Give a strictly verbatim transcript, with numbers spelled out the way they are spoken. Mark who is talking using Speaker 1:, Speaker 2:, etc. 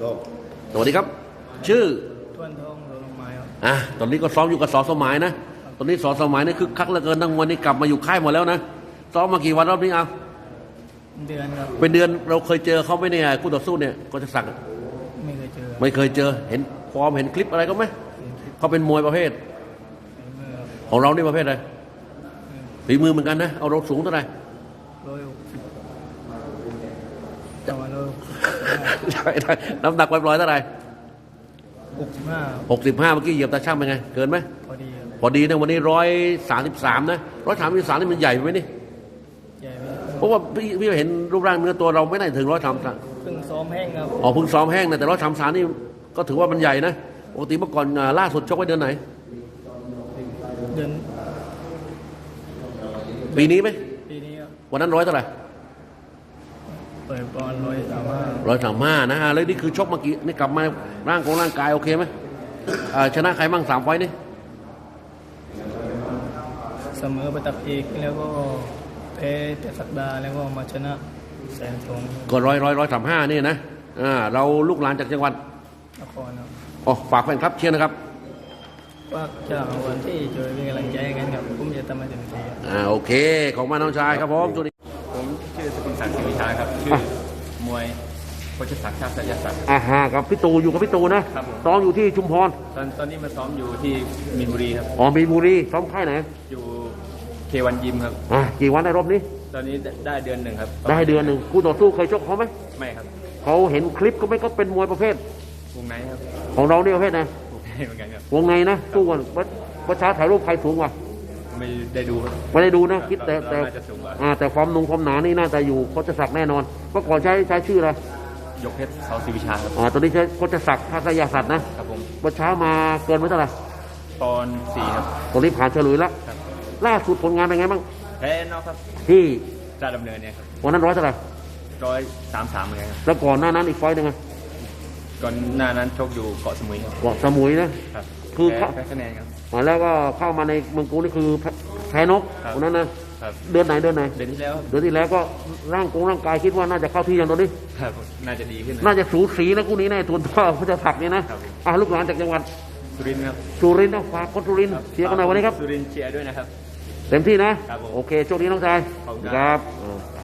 Speaker 1: ก็
Speaker 2: สวัสดีครับชื่อ
Speaker 3: ทวนทองโดนลงไม้ครับ
Speaker 2: อ่ะตอนนี้ก็ซ้อมอยู่กับสอสมัยนะตอนนี้สอสมัยนี่คือคักเหลือเกินทั้งวันนี้กลับมาอยู่ค่ายหมดแล้วนะซ้อมมากี่วันรอบนี้เอา
Speaker 3: เดือนครับ
Speaker 2: เป็นเดือนเราเคยเจอเขาไหมเนี่ยคู่ต่อสู้เนี่ยก็จะสั่ง
Speaker 3: ไม่เคยเจอ
Speaker 2: ไม่เคยเจอเห็นฟอร์มเห็นคลิปอะไรก็ไหมเขาเป็นมวยประเภทของเรานี่ประเภทอะไรฝีมือเหมือนกันนะเอาเราสูงเท่าไหร่
Speaker 3: ร้อยหกสิบจังหวะร้อย
Speaker 2: ใช่ได้น้ำหนักร้อยเท่าไหร่
Speaker 3: หกสิบห้า
Speaker 2: หกสิบห้าเมื่อกี้เหยียบตาช่างเป็นไงเกินไหม
Speaker 3: พอดี
Speaker 2: พอดีนะวันนี้ร้อยสามสิบสามนะร้อยสามสิบสามนี่มันใหญ่ไหมนี่
Speaker 3: ใหญ่ไหม
Speaker 2: เพราะว่าพี่พี่เห็นรูปร่างเนื้อตัวเราไม่ได้ถึงร้อยสามสาม
Speaker 3: เพิ่งซ้อมแห้งครับ
Speaker 2: อ๋อเพิ่งซ้อมแห้งนะแต่ร้อยสามสามนี่ก็ถือว่ามันใหญ่นะปกติเมื่อก่อนล่าสุดชกไว้เดือนไหน
Speaker 3: เดือน
Speaker 2: ปีนี้ไหม
Speaker 3: ปีนี้ครับ
Speaker 2: วันนั้นร้อยเท่าไหร่
Speaker 3: เปิดบอลร้อยสามห้า
Speaker 2: ร้อยสามห้านะแล้วนี่คือชกเมื่อกี้นี่กลับมาร่างของร่างกายโอเคไหมชนะใครบ้างสามไฟนี่
Speaker 3: เสมอไปตับเอกแล้วก็แพ้แต่สัปดาห์แล้วก็มาชนะแสนทอง
Speaker 2: ก็ร้อยร้อยร้อยสามห้านี่นะอ่าเราลูกหลานจากจังหวัด
Speaker 3: นครครับ
Speaker 2: อ๋อฝากแฟนครับเชียร์นะครับ
Speaker 3: ว่าจะเอาวันที่ช่วยเป็นกำลังใจกันครับผมจะทำให้เต็มที่
Speaker 2: อ่าโอเคของมาน้องชายครับผมสวัสดี
Speaker 4: ผมชื่อสกุลศักดิ์ศรีวิชาครับชื่อมวยโคชศักดิ์ชาติสยศักดิ์
Speaker 2: อ่าฮะกับพี่ตูอยู่กับพี่ตูนะครับซ้อมอยู่ที่ชุมพร
Speaker 4: ตอนตอนนี้มาซ้อมอยู่ที่มีนบุรีครับ
Speaker 2: อ๋อมีนบุรีซ้อมค่ายไหน
Speaker 4: อยู่เควันยิมครับ
Speaker 2: อ่ากี่วันในรอบนี้
Speaker 4: ตอนนี้ได้เดือนหนึ่งครับ
Speaker 2: ได้เดือนหนึ่งคู่ต่อสู้เคยชกเขาไหม
Speaker 4: ไม่ครับ
Speaker 2: เขาเห็นคลิปก็ไม่ก็เป็นมวยประเภท
Speaker 4: วงในครับ
Speaker 2: ของเราเนี่ยประเภทไหน
Speaker 4: วงในเหมือนกันครับ
Speaker 2: วงในนะสู้กันประชาถ่ายรูปใครสูงกว่า
Speaker 4: ไม่ได้ดู
Speaker 2: ไม่ได้ดูนะคิดแต่แต่อ่าแต่ความนุ่งความหนานี่น่าจะอยู่โคชศักดิ์แน่นอนเมื่อก่อนใช้ใช้ชื่ออะไร
Speaker 4: ยกเพชรเสาศรีวิชาครับ
Speaker 2: อ่าตอนนี้ใช้โคชศักดิ์ทัศยศักดิ์นะครับผมเมื่อเช้ามาเกินไว้เท่าไหร่
Speaker 4: ตอนสี่ครับ
Speaker 2: ตอนนี้ผ่านเฉลุยแล้วล่าสุดผลงานเป็นไงบ้าง
Speaker 4: แพ้นอกครับ
Speaker 2: ที่
Speaker 4: ราชดำเนินเนี่ยครับ
Speaker 2: วันนั้นร้อยเท่าไหร่
Speaker 4: ร้อยสามสามเหมือนกันครับ
Speaker 2: แล้วก่อนหน้านั้นอีกไฟต์หนึ่งไง
Speaker 4: ก่อนหน้านั้นชกอยู่เกาะสมุยครับ
Speaker 2: เกาะสมุยนะครับคือ
Speaker 4: แพ้คะแนนครับ
Speaker 2: แล้วก็เข้ามาในเมืองกูนี่คือแพ้นกวันนั้นนะเดือนไหนเดือนไหน
Speaker 4: เดือนที่แล้ว
Speaker 2: เดือนที่แล้วก็ร่างกงร่างกายคิดว่าน่าจะเข้าที่อย่างตอนนี้
Speaker 4: น่าจะดีขึ้น
Speaker 2: น่าจะสูสีนะคู่นี้แน่ทุนพ่อเขาจะถักนี่นะอ่าลูกหลานจากจังหวัด
Speaker 4: สุรินทร์ครับ
Speaker 2: สุรินทร์นะฝากคนสุรินทร์เชียร์กันหน่อยวันนี้ครับ
Speaker 4: สุรินทร์เชียร์ด้วยนะครับ
Speaker 2: เต็มที่นะโอเคโชคดีน้องชายครับ